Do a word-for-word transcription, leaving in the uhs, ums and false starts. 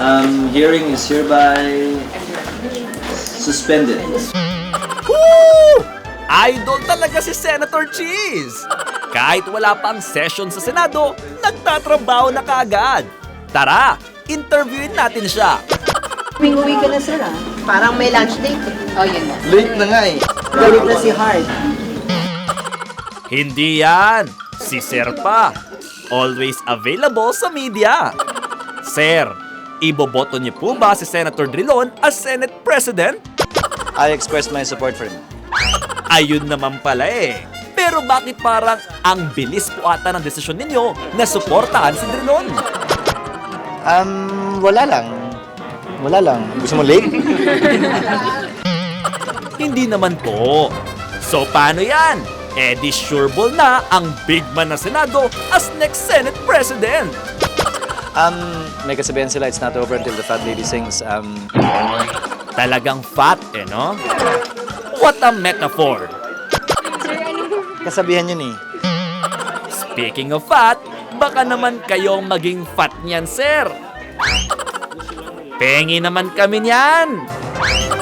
Um, hearing is hereby suspended. Woo! Idol talaga si Senator Cheese! Kahit wala pang session sa Senado, nagtatrabaho na kaagad. Tara, interviewin natin siya. Uwi ka na, sir, ah. Parang may lunch date, eh. Oh, yun na. Late na nga eh. Galit na si Hart. Hindi yan. Si Sir pa. Always available sa media. Sir, iboboto niyo po ba si Senator Drilon as Senate President? I express my support for him. Ayun naman pala eh. Pero bakit parang ang bilis po ata ng desisyon ninyo na suportahan si Drilon? Um, wala lang. Wala lang. Gusto mo late? Hindi naman po. So paano yan? Eh di sureball na ang big man na Senado as next Senate President. Um, may kasabihan sila, it's not over until the fat lady sings. Um, Talagang fat eh, no? What a metaphor! kasabihan yun eh. Speaking of fat, baka naman kayong maging fat niyan, sir. Pengi naman kami niyan.